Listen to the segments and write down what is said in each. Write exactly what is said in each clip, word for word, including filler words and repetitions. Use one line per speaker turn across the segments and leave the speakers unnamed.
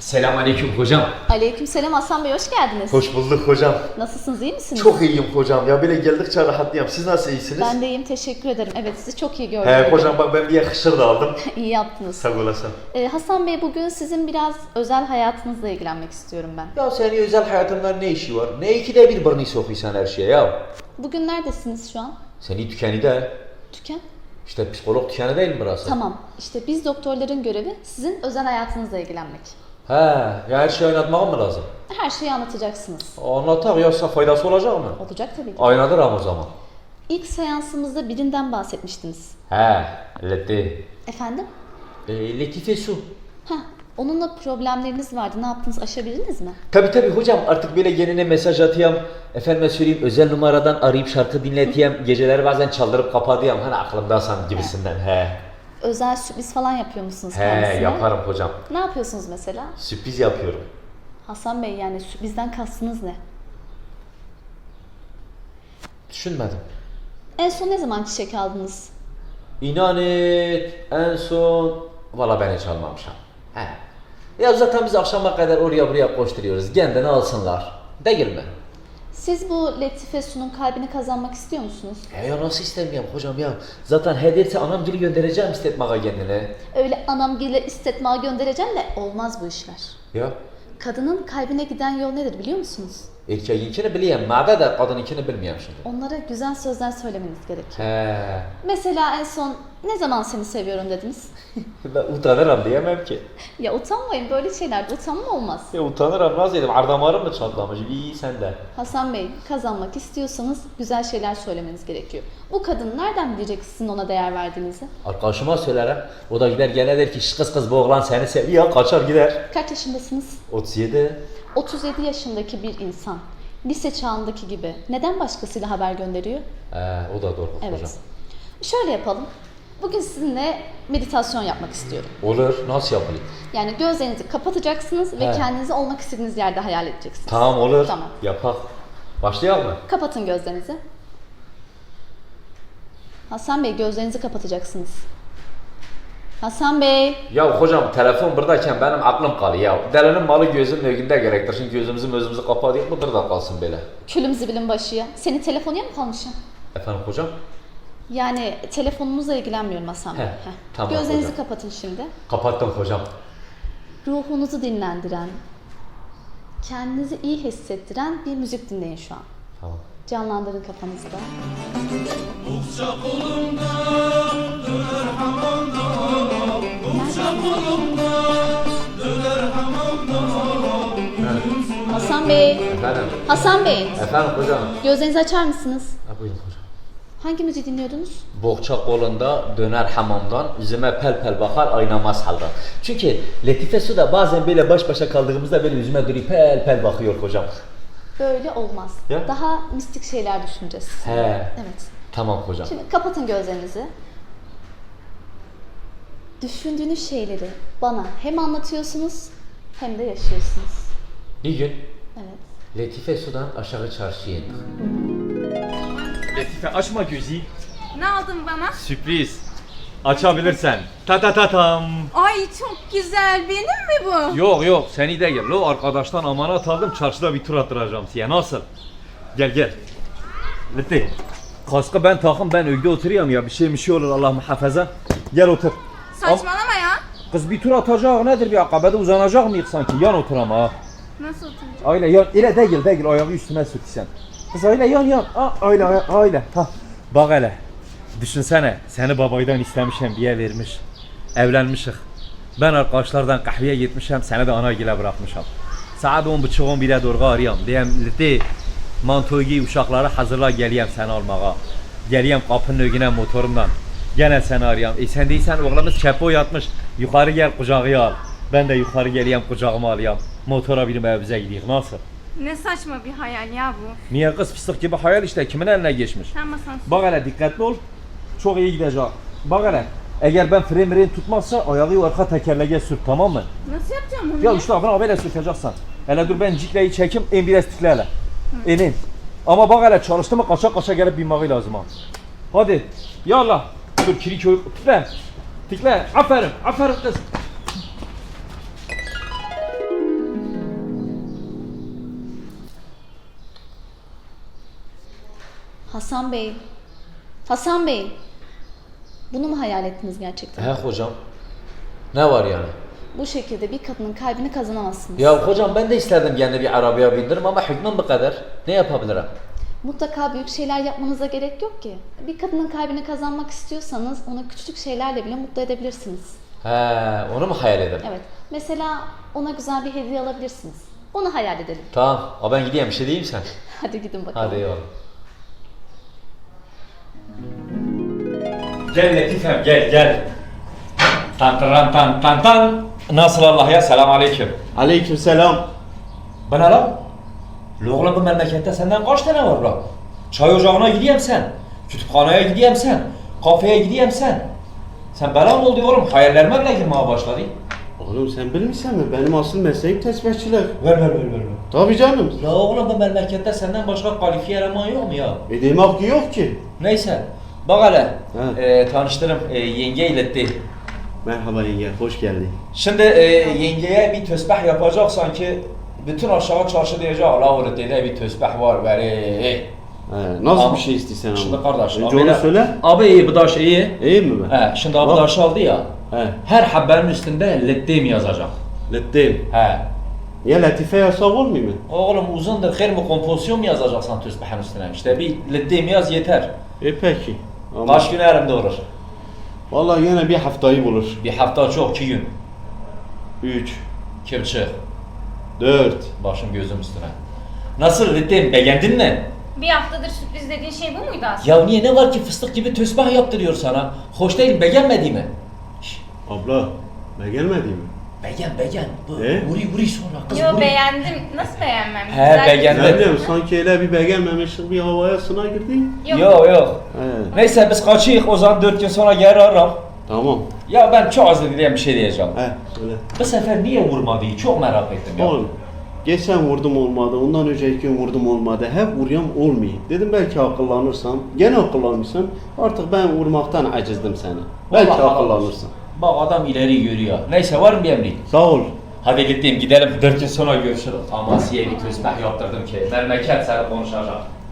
Selamünaleyküm hocam.
Aleykümselam Hasan Bey, hoş geldiniz.
Hoş bulduk hocam.
Nasılsınız, iyi misiniz?
Çok iyiyim hocam ya, böyle geldikçe rahatlıyorum. Siz nasıl iyisiniz?
Ben de iyiyim, teşekkür ederim. Evet, sizi çok iyi gördüm.
He hocam bak, ben bir yakışır da aldım.
İyi yaptınız.
Sağ olasın.
Ee, Hasan Bey, bugün sizin biraz özel hayatınızla ilgilenmek istiyorum ben.
Ya senin özel hayatında ne işi var? Ne ikide bir burnunu sokuyorsun her şeye ya?
Bugün neredesiniz şu an?
Seni tükeni de.
Tüken.
İşte psikolog tükeni değil mi burası?
Tamam, işte biz doktorların görevi sizin özel hayatınızla ilgilenmek.
He, ya her şeyi oynatmam mı lazım?
Her şeyi anlatacaksınız.
Anlatak yoksa faydası olacak mı?
Olacak tabii ki.
Aynadır ama o zaman.
İlk seansımızda birinden bahsetmiştiniz.
He, Leti.
Efendim?
E, Letife Su.
Heh, onunla problemleriniz vardı. Ne yaptınız, aşabildiniz mi?
Tabi tabi hocam, artık böyle geline mesaj atayım, efendime söyleyeyim özel numaradan arayıp şarkı dinleteyim, geceleri bazen çaldırıp kapatayım, hani aklımdasan gibisinden. He.
Özel sürpriz falan yapıyor musunuz
He,
kendisine?
yaparım hocam.
Ne yapıyorsunuz mesela?
Sürpriz yapıyorum.
Hasan Bey, yani sürprizden kastınız ne?
Düşünmedim.
En son ne zaman çiçek aldınız?
İnan et, en son valla ben hiç almamışım. He. Ya zaten biz akşama kadar oraya buraya koşturuyoruz, kendini alsınlar. Değil mi?
Siz bu Letife Su'nun kalbini kazanmak istiyor musunuz?
He ya, nasıl istemiyorum hocam ya. Zaten hediyesi anam geri göndereceğim istetmeye kendine.
Öyle anam gele istetmeye göndereceğim de olmaz bu işler.
Ya.
Kadının kalbine giden yol nedir biliyor musunuz?
Erkeğinkini biliyorum, mağda da kadınınkini bilmiyorum şimdi.
Onlara güzel sözler söylemeniz gerekiyor.
He.
Mesela en son ne zaman seni seviyorum dediniz?
Ben utanırım diyemem ki.
Ya utanmayın, böyle şeylerde utanma olmaz.
Ya utanırım, nasıl dedim, ardamarım mı çatlamış? İyi sen de.
Hasan Bey, kazanmak istiyorsanız güzel şeyler söylemeniz gerekiyor. Bu kadın nereden bilecek sizin ona değer verdiğinizi?
Arkadaşıma söylerim, o da gider gene der ki "Şş, kız kız bu oğlan seni seviyor", kaçar gider.
Kaç yaşındasınız?
otuz yedi.
otuz yedi yaşındaki bir insan, lise çağındaki gibi neden başkasıyla haber gönderiyor?
Ee, o da doğru
Evet.
hocam.
Şöyle yapalım. Bugün sizinle meditasyon yapmak istiyorum.
Olur, nasıl yapayım?
Yani gözlerinizi kapatacaksınız ve
He.
kendinizi olmak istediğiniz yerde hayal edeceksiniz.
Tamam olur,
Tamam.
yapak. Başlayalım mı?
Kapatın gözlerinizi. Hasan Bey, gözlerinizi kapatacaksınız. Hasan Bey.
Ya hocam, telefon buradayken benim aklım kalıyor ya. Delinin malı gözün mevkinde gerektir. Şimdi gözümüzü gözümüzü kapatıyor, budur da kalsın böyle.
Külüm zibilin başı ya. Senin telefonun mı kalmışım?
Efendim hocam?
Yani telefonunuzla ilgilenmiyorum Hasan Bey.
He,
Heh.
tamam
Gözlerinizi
hocam.
kapatın şimdi.
Kapattım hocam.
Ruhunuzu dinlendiren, kendinizi iyi hissettiren bir müzik dinleyin şu an.
Tamam.
Canlandırın kafanızda. Hasan Bey,
Efendim?
Hasan Bey,
Efendim hocam?
gözlerinizi açar mısınız?
Ha, buyurun hocam.
Hangi müziği dinliyordunuz?
Bohça kolunda döner hamamdan, yüzüme pel pel bakar aynamaz haldan. Çünkü Letife Su da bazen böyle baş başa kaldığımızda böyle yüzüme duruyor pel pel bakıyor hocam.
Böyle olmaz.
Ya?
Daha mistik şeyler düşüneceğiz.
He.
Evet.
Tamam hocam.
Şimdi kapatın gözlerinizi. Düşündüğünüz şeyleri bana hem anlatıyorsunuz hem de yaşıyorsunuz.
Bir gün
Evet.
Letife Su'dan aşağı çarşıya indik. Letife açma gözü.
Ne aldın bana?
Sürpriz. Açabilirsen. Ta ta ta tam.
Ay çok güzel. Benim mi bu?
Yok yok, seni de gel. Lo, arkadaştan amanat aldım, çarşıda bir tur attıracağım size. Nasıl? Gel gel. Leti. Kaskı ben takım, ben ögde oturuyorum ya, bir şey bir şey olur Allah muhafaza. Gel otur.
Saçmalama ya.
Kız bir tur atacak, nedir, bir akabede uzanacak mıyız sanki? Yan otur ama ha.
Nasıl oturacağım?
Öyle yan, öyle değil değil, ayağı üstüme sür sen. Kız öyle yan yan, ha, öyle öyle. Ha. Bak hele. Düşünsene, seni babaydan istemişim, bir yer vermiş. Evlenmişik. Ben arkadaşlardan kahveye gitmişim, seni de anagile bırakmışım. Saat on buçuk on bire doğru arıyorum. Diyem Leti, mantoyu giy, uşakları hazırla, geleyim seni almaya. Geleyim kapının önüne motorumdan. Gene seni arıyorum. E sen değilsen oğlumuz çepo yatmış. Yukarı gel, kucağı al. Ben de yukarı geleyim, kucağıma alayım. Motora binip evimize gidiyoruz. Nasıl?
Ne saçma bir hayal ya bu.
Niye kız, fıstık gibi hayal işte, kimin eline geçmiş?
Sen masan
Bak hele, dikkatli ol. Çok iyi gidecek. Bak hele. Eğer ben fren miren tutmazsa ayağı arka tekerleğe sür, tamam mı?
Nasıl yapacağım bunu
Ya
ya?
işte abi böyle sürteceksin. Hele dur, ben cikleyi çekeyim, en biraz tıkla hele. İnin. Ama bak hele, çalıştı mı kaça kaça gelip binmeyi lazım ha. Hadi. Yallah. Dur, kiri köy tıkla. Tıkla. Aferin. Aferin kız.
Hasan Bey. Hasan Bey. Bunu mu hayal ettiniz gerçekten?
He hocam. Ne var yani?
Bu şekilde bir kadının kalbini kazanamazsınız.
Ya hocam ben de isterdim kendi bir arabaya bindirim ama hükmüm bu kadar. Ne yapabilirim?
Mutlaka büyük şeyler yapmanıza gerek yok ki. Bir kadının kalbini kazanmak istiyorsanız onu küçük şeylerle bile mutlu edebilirsiniz.
He, onu mu hayal ederim?
Evet. Mesela ona güzel bir hediye alabilirsiniz. Onu hayal edelim.
Tamam. O ben gideyim bir şey diyeyim sen.
Hadi gidin bakalım.
Hadi eyvallah. Gel Latifem gel gel. Tan tan tan tan tan. Nasıl Allah ya? Selam aleyküm.
Aleykümselam.
Ben aram. Oğlum bu memlekette senden kaç tane var lan? Çay ocağına gideyim sen. Kütüphaneye gideyim sen. Kafeye gideyim sen. Sen bela mı oldu oğlum? Hayallerime bile girmeye başladı.
Oğlum sen bilmişsen mi? Benim asıl mesleğim tesbihçilik.
Ver ver ver ver. ver.
Tabii canım.
Ya oğlum bu memlekette senden başka kalifiye eleman yok mu ya?
E demek ki yok ki.
Neyse. Bak hele.
He.
E, tanıştırım. E, yenge iletti.
Merhaba yenge, hoş geldin.
Şimdi e, yengeye bir tesbih yapacak sanki bütün aşağı çarşı diyecek Allah öğretide bir tesbih var bari.
He, nasıl
Ama-
bir şey istiyorsun ama?
Şimdi kardeş.
Önce
abi
onu
de-
söyle.
Abi iyi bu daş iyi.
İyi mi ben?
He, şimdi abi
Bak.
daş aldı ya.
He,
Her habbenin üstünde lettim yazacak.
lettim.
He.
Ya latife yasak olmuyor mu?
Oğlum uzundur hayır mı kompozisyon mu yazacaksan tesbihin üstüne? İşte bir lettim yaz yeter.
E peki. Ama
Kaç gün elimde olur?
vallahi yine bir haftayı bulur.
Bir hafta çok, iki gün.
Üç,
İki buçuk.
dört.
Başım gözüm üstüne. Nasıl lettim beğendin mi?
Bir haftadır sürpriz dediğin şey bu muydu aslında?
Ya niye ne var ki fıstık gibi tesbih yaptırıyor sana? Hoş değil beğenmedi mi? Şşş,
Abla, ben gelmedi mi?
beğen beğen. Bu,
E?
Vuri vuri sonra kız
Yo
vuri.
beğendim. Nasıl beğenmem?
He,
Güzel bir-
beğendim.
Ne bileyim sanki öyle bir beğenmemişlik bir havaya sına girdi.
Yok.
Yok yok.
He,
Neyse biz kaçıyık o zaman dört gün sonra geri ararım.
tamam.
Ya ben çok az dediğim bir şey diyeceğim.
He, söyle.
Bu sefer niye vurmadı? Çok merak ettim ya.
Oğlum, geçen vurdum olmadı, ondan önceki gün vurdum olmadı. Hep vuruyorum olmuyor. Dedim belki akıllanırsam, gene akıllanmışsın. Artık ben vurmaktan acizdim seni. Belki
Vallahi
akıllanırsın.
Bak adam ileri görüyor. Neyse var mı bir emrin?
Sağ ol.
Hadi gittim gidelim dört gün sonra görüşürüz. Ama size bir tesbih yaptırdım ki memleket seni konuşacak.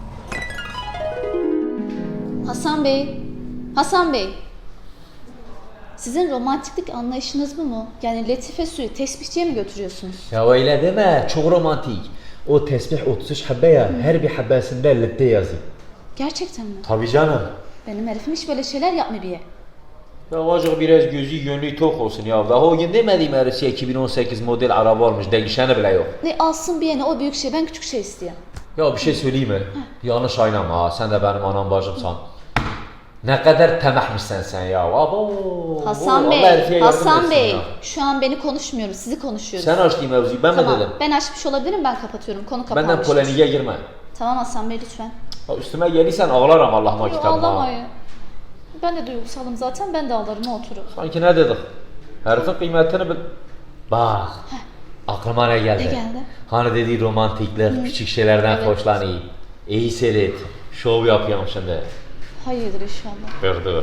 Hasan Bey. Hasan Bey. Sizin romantiklik anlayışınız bu mu? Yani latife suyu tesbihçiye mi götürüyorsunuz?
Ya öyle deme çok romantik. O tesbih otuz üç habbe ya her bir habbesinde lette yazıyor.
Gerçekten mi?
Tabii canım.
Benim herifim hiç böyle şeyler yapmıyor bir.
Ya acık biraz gözü gönlü tok olsun ya. Daha o gün demediğim herisi iki bin on sekiz model araba almış. Değişeni bile yok.
Ne alsın bir yana o büyük şey ben küçük şey istiyorum.
Ya bir şey söyleyeyim mi? Yanlış aynama ha. Sen de benim anam bacımsan. Ne kadar temahmışsın sen ya. Abo.
Hasan
Allah
Bey,
herife yardım
Hasan
etsin
Bey.
ya.
Şu an beni konuşmuyoruz, sizi konuşuyoruz.
Sen açtın mevzuyu ben
Tamam,
mi dedim?
ben açmış olabilirim, ben kapatıyorum. Konu kapanmış.
Benden polemiğe girme.
Tamam Hasan Bey lütfen.
Ya üstüme gelirsen ağlarım Allah'ıma
Yok
kitabıma.
ağlamayın. Ben de duygusalım zaten, ben de ağlarım o oturup.
Sanki ne dedik? Herifin kıymetini bil... Bak. Aklıma ne geldi?
Ne geldi?
Hani dediği romantikler, küçük şeylerden
Evet.
hoşlanıyor. İyi seyret. Şov yapıyorum şimdi.
Hayırdır inşallah.
Dur dur.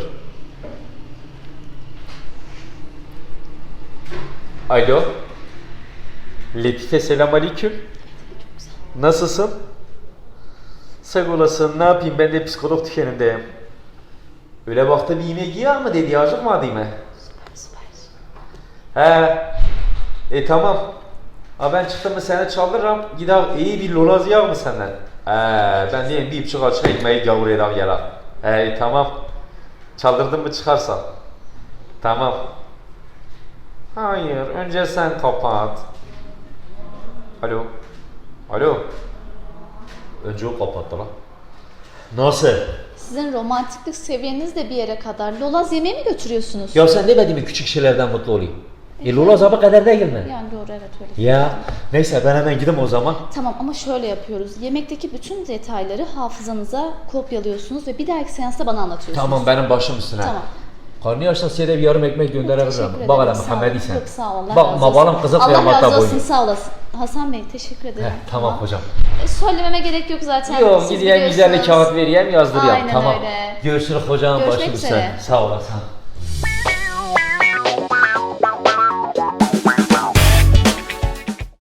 Alo. Letife selam aleyküm. Nasılsın? Sağ olasın. Ne yapayım ben de psikolog tükenindeyim. Öyle baktı bir yemek yiyor mu dedi acıkmadı mı?
Süper.
He. E tamam. Ha ben çıktım mı seni çaldırırım. Gider iyi bir lolaz yer mı senden? He ben diyeyim bir buçuk açına ekmeği gavur eder yere. He e, tamam. Çaldırdın mı çıkarsan. Tamam. Hayır önce sen kapat. Alo. Alo. Önce o kapattı lan. Nasıl?
Sizin romantiklik seviyeniz de bir yere kadar. Lolaz yemeğe mi götürüyorsunuz?
Ya sen demedin mi küçük şeylerden mutlu olayım? E lolaz abi kadar değil mi?
Yani doğru evet öyle.
Ya neyse ben hemen gideyim o zaman.
Tamam ama şöyle yapıyoruz. Yemekteki bütün detayları hafızanıza kopyalıyorsunuz ve bir dahaki seansta bana anlatıyorsunuz.
Tamam benim başım üstüne.
Tamam.
Karnı açsan size de bir yarım ekmek gönderebilirim.
Teşekkür
Bak hele
ederim, sağ olun.
Muhammed'i sen.
Yok sağ ol. Allah
Bak
razı
babalım
olsun.
kızı
Allah
kıyamatta
razı olsun
boyuyor.
sağ olasın. Hasan Bey teşekkür ederim.
Heh, tamam hocam.
E, Söylememe gerek yok zaten.
Yok
Siz
gideyim güzel bir
biliyorsunuz.
kağıt vereyim yazdırayım.
Aynen
tamam.
öyle.
Görüşürüz hocam
Görüşmek
başım
üzere.
üstüne. Sağ olasın.